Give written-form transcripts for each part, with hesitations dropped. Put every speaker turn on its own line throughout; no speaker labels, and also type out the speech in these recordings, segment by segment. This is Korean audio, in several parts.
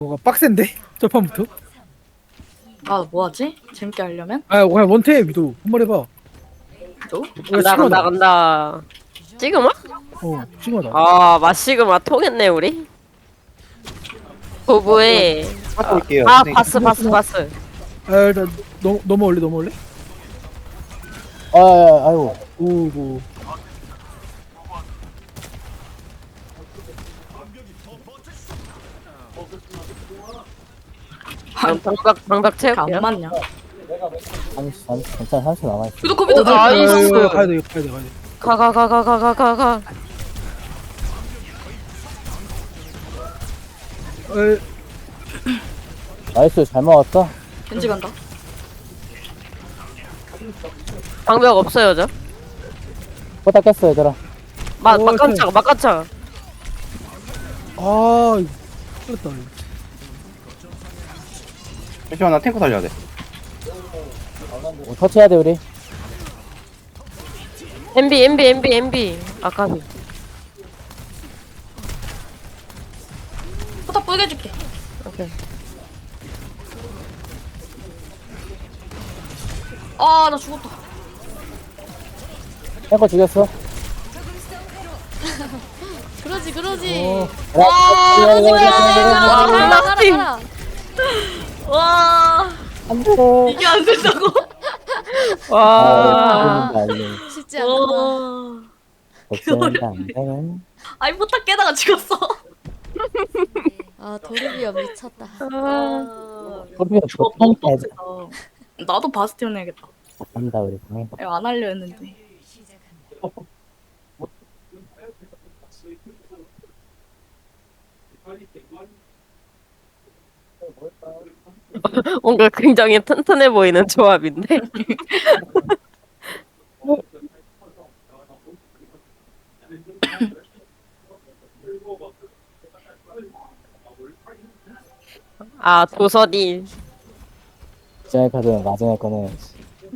뭐가 빡센데? 첫판부터?
아, 뭐하지? 재밌게 하려면?
아 그냥 원태 위도 한번 해봐.
또?
간다. 지금아?
시그마다.
아, 마시그마 통했네, 우리. 부부의.
하고 올게요.
아,
네.
바스.
아 일단 넘어올래?
아이고.
오고.
방박
안
채울게요.
맞냐?
괜찮아, 30 남아있어.
유도 컴퓨터
어, 나이스.
이거 가야 돼. 에,
나이스, 잘 먹었어?
겐지 간다.
방벽 없어요, 저.
포다 깼어, 얘들아.
막간창.
아 이거 틀렸다.
잠시만 나 탱크 살려야 돼.
터치해야 돼, 우리.
MB. 아까비.
포탑 뿌게 해줄게.
오케이.
아, 나 죽었다.
탱커 죽였어.
그러지. 가라.
와,
안 돼.
이게 안 된다고?
와.
쉽지 않다.
와.
걱정인데 안 되네.
아니, 포탑 깨다가 죽었어.
아 도르비아 미쳤다.
소리가
저거
또
너무
탱크
빡세다. 나도 바스티온 해야겠다.
한다, 우리. 방에.
이거 안 하려 했는데.
뭔가 굉장히 튼튼해 보이는 조합인데. 아, 도서디.
지하의 카드는 나중에 꺼내야지.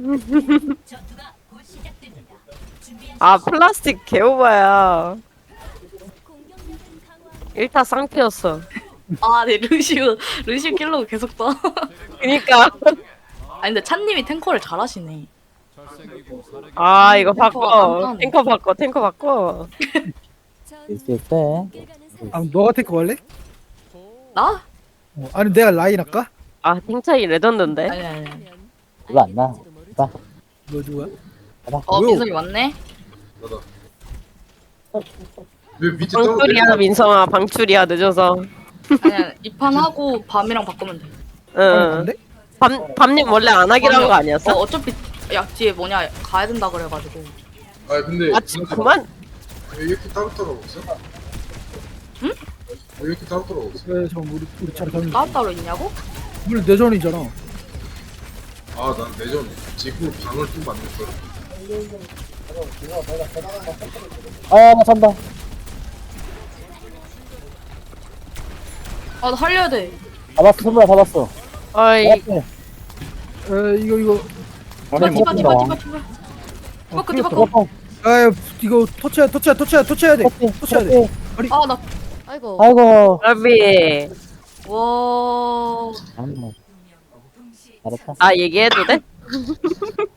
아, 플라스틱 개오바야. 1타 쌍피였어.
아, 네, 루시우 킬러가 계속 떠.
그니까.
아니, 근데 찬님이 탱커를 잘하시네.
아, 이거
깜깜해.
탱커 바꿔.
있을 때.
아 너가 테크 할래?
나?
아니 내가 라인 할까?
아, 탱차이 레전드인데.
아니.
이거 안 나. 봐.
너 누구야?
어, 민성이 왔네?
왜 밑에 떨어져?
방출이야, 민성아. 방출이야, 늦어서.
아니야, 이판 하고 밤이랑 바꾸면 돼.
응.
안 돼?
밤님 원래 안 하기로 한 거 아니었어?
어차피 약지에 뭐냐 가야 된다 그래가지고.
아 근데
아, 그만.
왜 이렇게 따로따로 없어?
응?
왜 이렇게 따로따로 없어?
그래 저 우리 차례 가는 거.
따로따로 있냐고?
우리 내전이잖아.
아난 내전 지구 방을 좀 만들 거야.
나 잔다.
아, 나 살려야 돼.
잡았어, 손보라 잡았어.
어이,
잡았어.
이거
디바.
이거 터치해야 돼. 터치해야 돼.
아, 나.
아이고.
아이고.
러비.
와.
잘했다.
아, 얘기해도 돼?